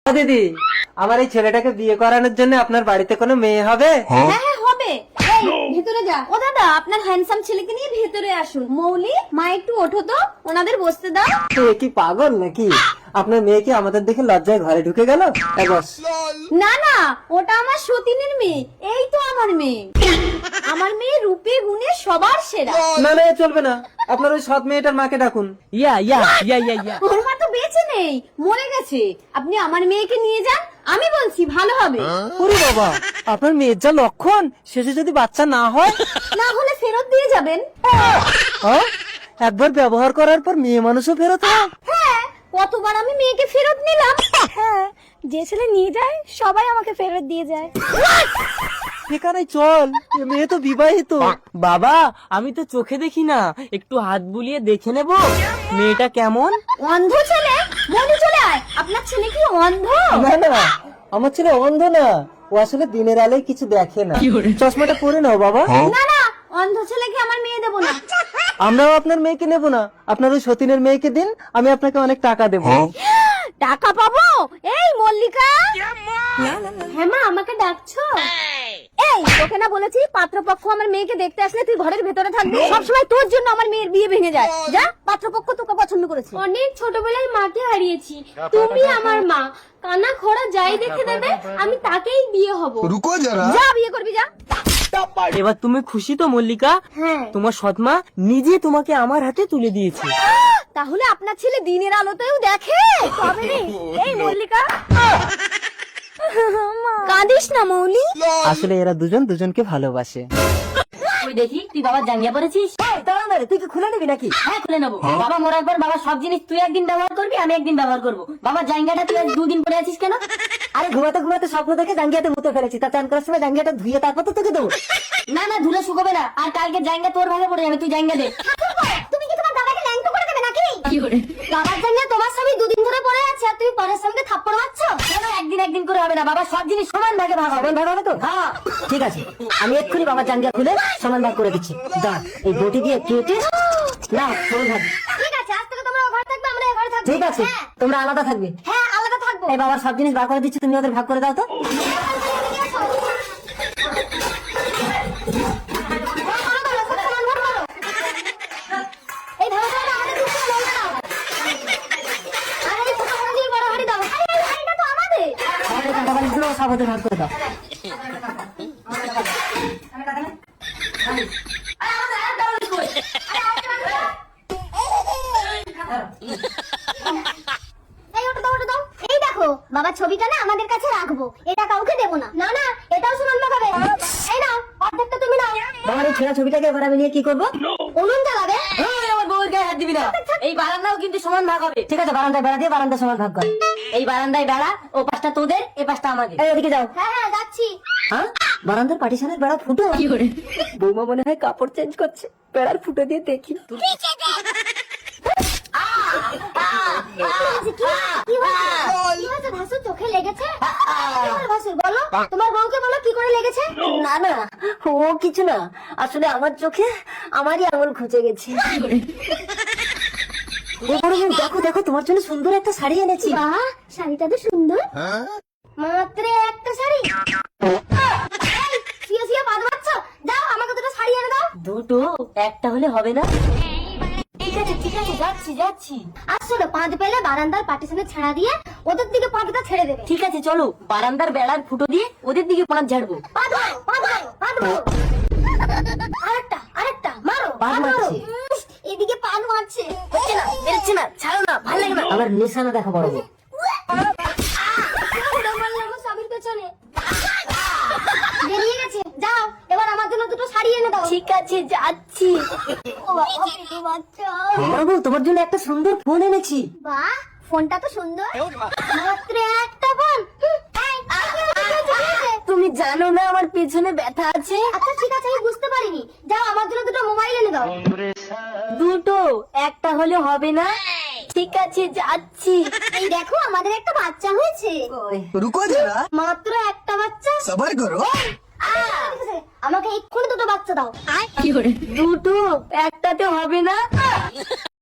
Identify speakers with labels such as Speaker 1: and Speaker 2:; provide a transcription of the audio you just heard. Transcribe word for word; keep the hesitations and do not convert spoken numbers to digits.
Speaker 1: দিদি, আমার এই ছেলেটাকে বিয়ে করানোর জন্য আপনার বাড়িতে কোনো মেয়ে হবে?
Speaker 2: হ্যাঁ হ্যাঁ হবে। এই, ভেতরে যা। ও দাদা, আপনার হ্যান্ডসাম ছেলেকে নিয়ে ভেতরে আসুন। মৌলি, মা একটু ওঠো তো, ওনাদের বসতে দাও।
Speaker 1: তো এ কি পাগল নাকি? আপনার মেয়ে কি আমাদের দেখে লজ্জায় ঘরে ঢুকে গেল? এ বস।
Speaker 2: না না, ওটা আমার সতীনের মেয়ে। এই তো আমার মেয়ে। আমার মেয়ে রূপে গুণে সবার সেরা।
Speaker 1: না না, এ চলবে না। আপনার ওই সৎ মেয়েটার মাকে ডাকুন।
Speaker 3: ইয়া ইয়া ইয়া ইয়া ইয়া
Speaker 2: ওর মা তো বেঁচে নেই, মরে গেছে। আপনি আমার মেয়েকে নিয়ে যান, আমি বলছি ভালো হবে।
Speaker 1: ওরে বাবা, আপনার মেয়ের যা লক্ষণ, শেষে যদি বাচ্চা না হয়?
Speaker 2: না হলে ফেরত দিয়ে যাবেন।
Speaker 1: হ্যাঁ? একবার ব্যবহার করার পর মেয়ে মানুষও ফেরত হয়?
Speaker 2: হ্যাঁ, কতবার আমি মেয়েকে ফেরত নিলাম। হ্যাঁ, যে ছেলে নিয়ে যায় সবাই আমাকে ফেরত দিয়ে যায়।
Speaker 1: এখানে চল, এ মেয়ে তো বিবাহিত।
Speaker 3: বাবা, আমি তো চোখে দেখি না, একটু হাত বুলিয়ে দেখে নেব মেয়েটা কেমন।
Speaker 2: অন্ধ ছেলে, মনে চলে আয়। আপনার ছেলে কি অন্ধ?
Speaker 1: না না, আমার ছেলে অন্ধ না, ও আসলে দিনের আলোয় কিছু দেখে না। চশমাটা পরে নাও বাবা।
Speaker 2: না না, অন্ধ ছেলেকে আমার মেয়ে দেবো না।
Speaker 1: আমরাও আপনার মেয়েকে নেব না, আপনার ওই সতীনের মেয়েকে দিন, আমি আপনাকে অনেক টাকা দেবো।
Speaker 2: টাকা পাবো? এই মল্লিকা, হ্যাঁ মা, আমাকে ডাকছো? এই, তোকে না বলেছি পাত্রপক্ষ আমার মেয়েকে দেখতে আসলে তুই ঘরের ভেতরে থাকবি? সবসময় তোর জন্য আমার মেয়ের বিয়ে ভেঙে যায়। যা, পাত্রপক্ষ তোকে পছন্দ করেছে। অনেক ছোটবেলায় মাকে হারিয়েছি, তুমি আমার মা। কানা খোড়া যাই দেখে দেবে, আমি তাকেই বিয়ে হব।
Speaker 4: रुको जरा।
Speaker 2: যা, বিয়ে করবি যা।
Speaker 3: এবার তুমি খুশি তো মল্লিকা?
Speaker 2: হ্যাঁ।
Speaker 3: তোমার সৎমা নিজে তোমাকে আমার হাতে তুলে দিয়েছে।
Speaker 2: তাহলে আপনার ছেলে দিনের আলোতেও দেখে? তবে রে, এই মল্লিকা, কাঁদিস না মৌলি।
Speaker 1: আসলে এরা দুজন দুজনকে ভালোবাসে।
Speaker 5: তুই দেখি, তুই বাবার জাঙ্গিয়া পরেছিস?
Speaker 1: তুই কি খুলে নিবি নাকি?
Speaker 5: হ্যাঁ, খুলে নেবো। বাবা মরার পর বাবার সব জিনিস তুই একদিন ব্যবহার করবি, আমি একদিন ব্যবহার করবো। বাবার জাঙ্গিয়াটা তুই আজ দুদিন পরে আছিস কেন?
Speaker 1: আরে ঘুমাতে ঘুমাতে স্বপ্ন দেখে জাঙ্গিয়াতে মুতে ফেলেছি, তা চান করার সময় জাঙ্গিয়াটা ধুয়ে তারপর তো তোকে দেবো।
Speaker 5: না না, ধুলে শুকোবে না। আর কালকে জাঙ্গিয়া তোর ভাগে পড়ে যাবে, তুই জাঙ্গিয়া দে।
Speaker 2: তুমি কি তোমার দাদাকে ল্যাংটো করে দেবে নাকি? বাবার জন্য তোমার স্বামী দুদিন ধরে পড়ে আছে, আর তুমি পরের সঙ্গে থাপ্পড় মারছ।
Speaker 5: কেন একদিন একদিন করে হবে না? বাবার সব জিনিস সমান ভাগে ভাগ হবে।
Speaker 1: ভাগ হবে তো?
Speaker 5: হ্যাঁ,
Speaker 1: ঠিক আছে, আমি এক্ষুনি বাবার জাঙ্গিয়া খুলে সমান ভাগ করে দিচ্ছি। দাঁড়, এই বটি দিয়ে কেটে না সমান ভাগ।
Speaker 2: ঠিক আছে, আজ থেকে তোমরা ও ঘরে থাকবে, আমরা এ ঘরে থাকবো।
Speaker 1: ঠিক আছে,
Speaker 2: হ্যাঁ,
Speaker 1: তোমরা আলাদা থাকবে।
Speaker 2: হ্যাঁ, আলাদা থাকবো।
Speaker 1: এই বাবার সব জিনিস বার করে দিচ্ছি, তুমি ওদের ভাগ করে দাও তো।
Speaker 2: এই ধরো, ধরো, আমাদের দুটো লঙ্কা দাও। আর এই ছোট হাঁড়ি দিয়ে বড় হাঁড়ি দাও। আরে, এই হাঁড়িটা তো আমাদের।
Speaker 1: আমাদের কাটা বাড়িগুলো সব ওদের ভাগ করে দাও।
Speaker 2: এই ওটা দাও, ওটা দাও। এই দেখো, বাবার ছবিটা না আমাদের কাছে রাখবো, এটা কাউকে দেবো না। না না, এটাও সুনন্দ খাবে। এই নাও, অর্ধেকটা তুমি নাও।
Speaker 1: বাবার এই ছেঁড়া ছবিটাকে এবার আমি নিয়ে কি করবো?
Speaker 2: উনুন জ্বালাবে।
Speaker 5: এই, আমার বউয়ের গায়ে হাত দিবি না। এই বারান্দাও কিন্তু সমান ভাগ হবে।
Speaker 1: ঠিক আছে, বারান্দায় বেড়া দিয়ে বারান্দা সমান ভাগ কর।
Speaker 5: এই বারান্দায় বেড়া, ও পাশটা তোদের, এ পাশটা আমাদের।
Speaker 1: এই ওদিকে যাও।
Speaker 2: হ্যাঁ হ্যাঁ, যাচ্ছি।
Speaker 1: হ্যাঁ, বারান্দার পার্টিশনের বেড়া ফুটো। বৌমা মনে হয় কাপড় চেঞ্জ করছে, বেড়ার ফুটো দিয়ে দেখি।
Speaker 2: কি হয়েছে? কি হয়েছে? ভাসুর চোখে লেগেছে? কি হলো ভাসুর, বলো। তোমার বউকে বলো কি করে লেগেছে।
Speaker 1: না না, ও কিছু না, আসলে আমার চোখে আমারই আঙুল খুঁজে গেছে। ও বড় বোন, দেখো দেখো, তোমার জন্য সুন্দর একটা শাড়ি এনেছি।
Speaker 2: বাহ, শাড়িটা তো সুন্দর। মাত্র একটা শাড়ি। এই, শুয়ে শুয়ে পাদ মারছো? দাও, আমাকে দুটো শাড়ি এনে দাও।
Speaker 5: দুটো একটা হলে হবে না? ঠিক আছে ঠিক আছে, যাচ্ছি যাচ্ছি।
Speaker 2: আসলে পাঁদ পেলে বারান্দার পার্টিশনে ছেড়া দিয়ে ওদের দিকে পাঁদটা ছেড়ে দেবে।
Speaker 5: ঠিক আছে, চলো বারান্দার বেড়ার ফুটো দিয়ে ওদের দিকে পাঁচ ঝাড়বো।
Speaker 2: পাঁদ মারো, পাঁদ মারো, পাঁদ মারো। আরেকটা, আরেকটা, মারো,
Speaker 1: পাদ
Speaker 2: পাদ মারো।
Speaker 1: মারছে।
Speaker 2: উম, এদিকে পাদ মারছে।
Speaker 5: হচ্ছে না, বেরোচ্ছে না, ছাড়ো না, ভালো লাগে না।
Speaker 1: আবার নিশানা দেখো বড় বোন।
Speaker 2: ওরা মারলো আমার স্বামীর পেছনে। বেরিয়ে গেছে। যাও, এবার আমার জন্য দুটো শাড়ি এনে দাও।
Speaker 5: ঠিক আছে, যাচ্ছি।
Speaker 2: ও বাবা, পেটে বাচ্চা।
Speaker 1: বড় বউ, তোমার জন্য একটা সুন্দর ফোন এনেছি।
Speaker 2: বাহ, ফোনটা তো সুন্দর। মাত্র একটা ফোন। হুম, এই, কি হয়েছে, কি হয়েছে, কি হয়েছে?
Speaker 5: তুমি জানো না আমার পেছনে ব্যথা আছে?
Speaker 2: আচ্ছা ঠিক আছে, আমি বুঝতে পারিনি। যাও, আমার জন্য দুটো মোবাইল এনে দাও।
Speaker 5: দুটো একটা হলে হবে না? ঠিক আছে, যাচ্ছি।
Speaker 2: এই দেখো, আমাদের একটা বাচ্চা হয়েছে।
Speaker 4: रुको जरा।
Speaker 2: মাত্র একটা বাচ্চা।
Speaker 4: सबर करो।
Speaker 2: আহ, ঠিক আছে, আমাকে এক্ষুনি দুটো বাচ্চা দাও।
Speaker 5: দুটো একটাতে হবে না?